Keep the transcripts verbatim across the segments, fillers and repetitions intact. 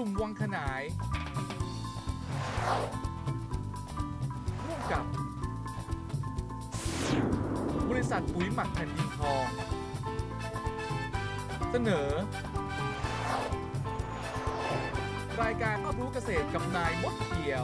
ลุ่มวังขนายร่วมกับบริษัทปุ๋ยหมักแผ่นดินทองเสนอรายการรอบรู้เกษตรกับนายมดเขียว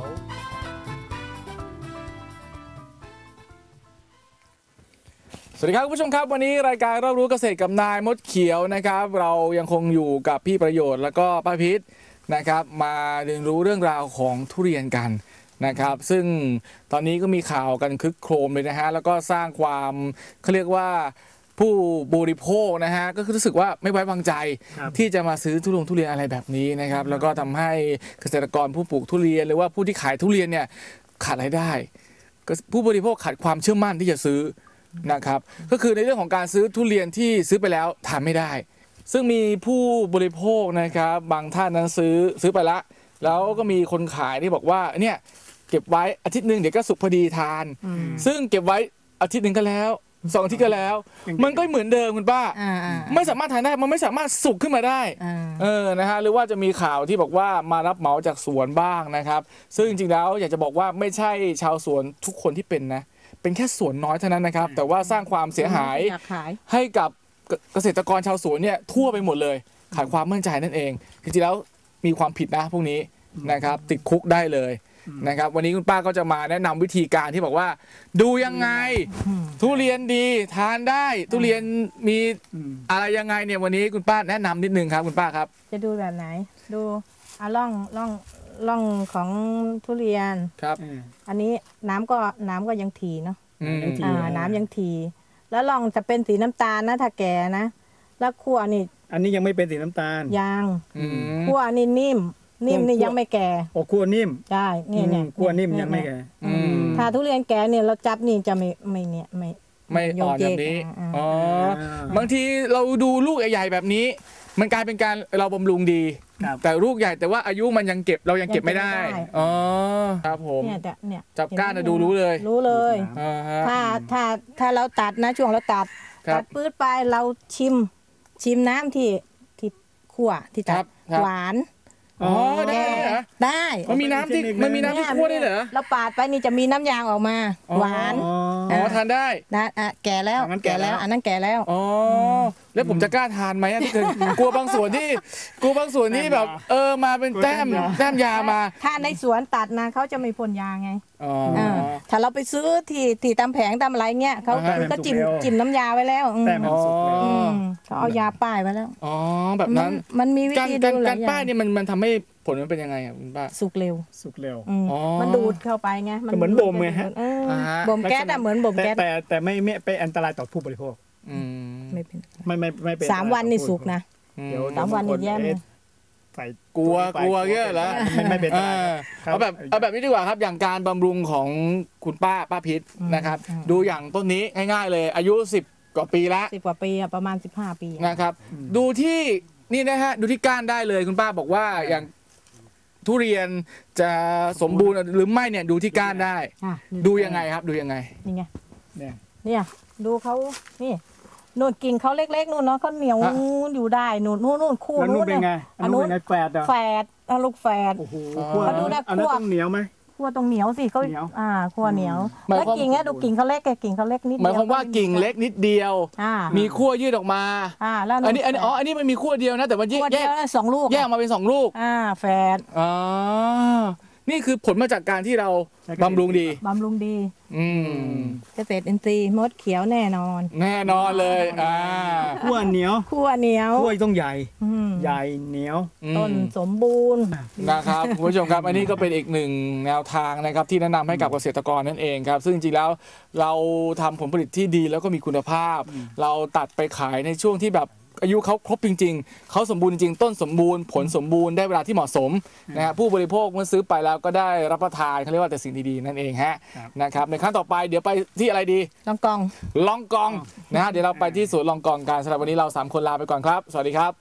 สวัสดีครับคุณผู้ชมครับวันนี้รายการรอบรู้เกษตรกับนายมดเขียวนะครับเรายังคงอยู่กับพี่ประโยชน์แล้วก็ป้าพิษนะครับมาเรียนรู้เรื่องราวของทุเรียนกันนะครับซึ่งตอนนี้ก็มีข่าวกันคึกโครมเลยนะฮะแล้วก็สร้างความเขาเรียกว่าผู้บริโภคนะฮะก็คือรู้สึกว่าไม่ไว้วางใจที่จะมาซื้อทุเรียนทุเรียนอะไรแบบนี้นะครับแล้วก็ทำให้เกษตรกรผู้ปลูกทุเรียนหรือว่าผู้ที่ขายทุเรียนเนี่ยขาดรายได้ผู้บริโภคขาดความเชื่อมั่นที่จะซื้อนะครับก็คือในเรื่องของการซื้อทุเรียนที่ซื้อไปแล้วทานไม่ได้ซึ่งมีผู้บริโภคนะครับบางท่านนั้นซื้อซื้อไปละแล้วก็มีคนขายที่บอกว่าเนี่ยเก็บไว้อาทิตย์หนึ่งเดี๋ยวก็สุกพอดีทานซึ่งเก็บไว้อาทิตย์หนึ่งก็แล้วสองอาทิตย์ก็แล้วมันก็เหมือนเดิมคุณป้าไม่สามารถทานได้มันไม่สามารถสุกขึ้นมาได้เออนะฮะหรือว่าจะมีข่าวที่บอกว่ามารับเหมาจากสวนบ้างนะครับซึ่งจริงๆแล้วอยากจะบอกว่าไม่ใช่ชาวสวนทุกคนที่เป็นนะเป็นแค่ส่วนน้อยเท่านั้นนะครับแต่ว่าสร้างความเสียหายให้กับเกษตรกรชาวสวนเนี่ยทั่วไปหมดเลยขาดความมั่นใจนั่นเองจริงๆแล้วมีความผิดนะพวกนี้นะครับติดคุกได้เลยนะครับวันนี้คุณป้าก็จะมาแนะนำวิธีการที่บอกว่าดูยังไงทุเรียนดีทานได้ทุเรียนมีอะไรยังไงเนี่ยวันนี้คุณป้าแนะนำนิดนึงครับคุณป้าครับจะดูแบบไหนดูอ่ะล่องล่องล่องของทุเรียนครับอันนี้น้ำก็น้ำก็ยังถี่เนาะอ่าน้ำยังถี่แล้วล่องจะเป็นสีน้ำตาลนะถ้าแก่นะแล้วขั้วนี่อันนี้ยังไม่เป็นสีน้ำตาลยังขั้วนี่นิ่มนิ่มนี่ยังไม่แก่โอ้ขั้วนิ่มใช่เนี่ยเนี่ยขั้วนิ่มยังไม่แก่ถ้าทุเรียนแก่เนี่ยเราจับนี่จะไม่ไม่เนี่ยไม่ไม่อ่อนแบบนี้อ๋อบางทีเราดูลูกใหญ่ๆแบบนี้มันกลายเป็นการเราบำรุงดีแต่ลูกใหญ่แต่ว่าอายุมันยังเก็บเรายังเก็บไม่ได้อ๋อครับผมเนี่ยจับก้านดูรู้เลยรู้เลยถ้าถ้าถ้าเราตัดนะช่วงเราตัดตัดปื้ดไปเราชิมชิมน้ำที่ที่คั่วที่ตัดหวานอ๋อได้เหรอได้มันมีน้ำที่มันมีน้ำที่คั่วได้เหรอเราปาดไปนี่จะมีน้ำยางออกมาหวานอ๋อทานได้นะอ่ะแก่แล้วแก่แล้วอันนั้นแก่แล้วอ๋อแล้วผมจะกล้าทานไหมที่เคยกลัวบางส่วนที่กลัวบางส่วนที่แบบเออมาเป็นแต้มแต้มยามาถ้าในสวนตัดนะเขาจะไม่พ่นยาไงอ๋อถ้าเราไปซื้อที่ที่ตามแผงตามอะไรเงี้ยเขาก็จิ้มจิ้มน้ำยาไว้แล้วแต่มันสุกแล้วเขาเอายาป้ายไว้แล้วอ๋อแบบนั้นมันมีวิธีดูหลายอย่างการป้ายเนี่ยมันมันทำให้ผลมันเป็นยังไงอ่ะคุณป้าสุกเร็วสุกเร็วมันดูดเข้าไปไงมันเหมือนบ่มไงฮะบ่มแก๊สอะเหมือนบ่มแก๊สแต่แต่ไม่ไม่ไปอันตรายต่อผู้บริโภคไม่เป็นไม่ไม่ไม่เป็นสามวันนี่สุกนะสามวันนี่แย่เลยใส่กลัวกลัวเยอะแล้วไม่ไม่เป็นเอาแบบเอาแบบนี้ดีกว่าครับอย่างการบำรุงของคุณป้าป้าพิษนะครับดูอย่างต้นนี้ง่ายๆเลยอายุสิบกว่าปีแล้วสิบกว่าปีประมาณสิบห้าปีนะครับดูที่นี่นะฮะดูที่ก้านได้เลยคุณป้าบอกว่าอย่างทุเรียนจะสมบูรณ์หรือไม่เนี่ยดูที่ก้านได้ดูยังไงครับดูยังไงนี่ไงเนี่ยเนี่ยดูเขานี่นู่นกิ่งเขาเล็กๆนู่นเนาะเขาเหนียวอยู่ได้นู่นนู่นนู่นคู่นู่นเนี่ยอันนู้นแฝดแฝดลูกแฝดโอ้โหเขาดูนะขั้วต้องเหนียวไหมขั้วตรงเหนียวสิเขาอ่าขั้วเหนียวแล้วกิ่งเนี่ยดูกิ่งเขาเล็กแกกิ่งเขาเล็กนิดเดียวหมายความว่ากิ่งเล็กนิดเดียวมีขั้วยืดออกมาอ่าแล้วอันนี้อันนี้อ๋ออันนี้มันมีขั้วเดียวนะแต่ว่าแยกสองลูกแยกมาเป็นสองลูกอ่าแฝดอ๋อนี่คือผลมาจากการที่เราบำรุงดีบำรุงดีอืมเกษตรอินทรีย์มดเขียวแน่นอนแน่นอนเลยอ่าขั้วเหนียวขั้วเหนียวขั้วต้องใหญ่ใหญ่เหนียวต้นสมบูรณ์นะครับคุณผู้ชมครับอันนี้ก็เป็นอีกหนึ่งแนวทางนะครับที่แนะนำให้กับเกษตรกรนั่นเองครับซึ่งจริงๆแล้วเราทำผลผลิตที่ดีแล้วก็มีคุณภาพเราตัดไปขายในช่วงที่แบบอายุเขาครบจริงๆเขาสมบูรณ์จริงต้นสมบูรณ์ผลสมบูรณ์ได้เวลาที่เหมาะสมนะฮะผู้บริโภคเมื่อซื้อไปแล้วก็ได้รับประทานเขาเรียกว่าแต่สิ่งดีๆนั่นเองฮะนะครับในครั้งต่อไปเดี๋ยวไปที่อะไรดีลองกองลองกองนะฮะเดี๋ยวเราไปที่สวนลองกองกันสำหรับวันนี้เราสามคนลาไปก่อนครับสวัสดีครับ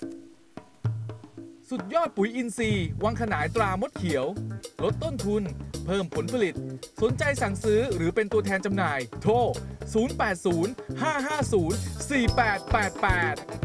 สุดยอดปุ๋ยอินทรีย์วังขนายตรามดเขียวลดต้นทุนเพิ่มผลผลิตสนใจสั่งซื้อหรือเป็นตัวแทนจำหน่ายโทรศูนย์ แปด ศูนย์ ห้า ห้า ศูนย์ สี่ แปด แปด แปด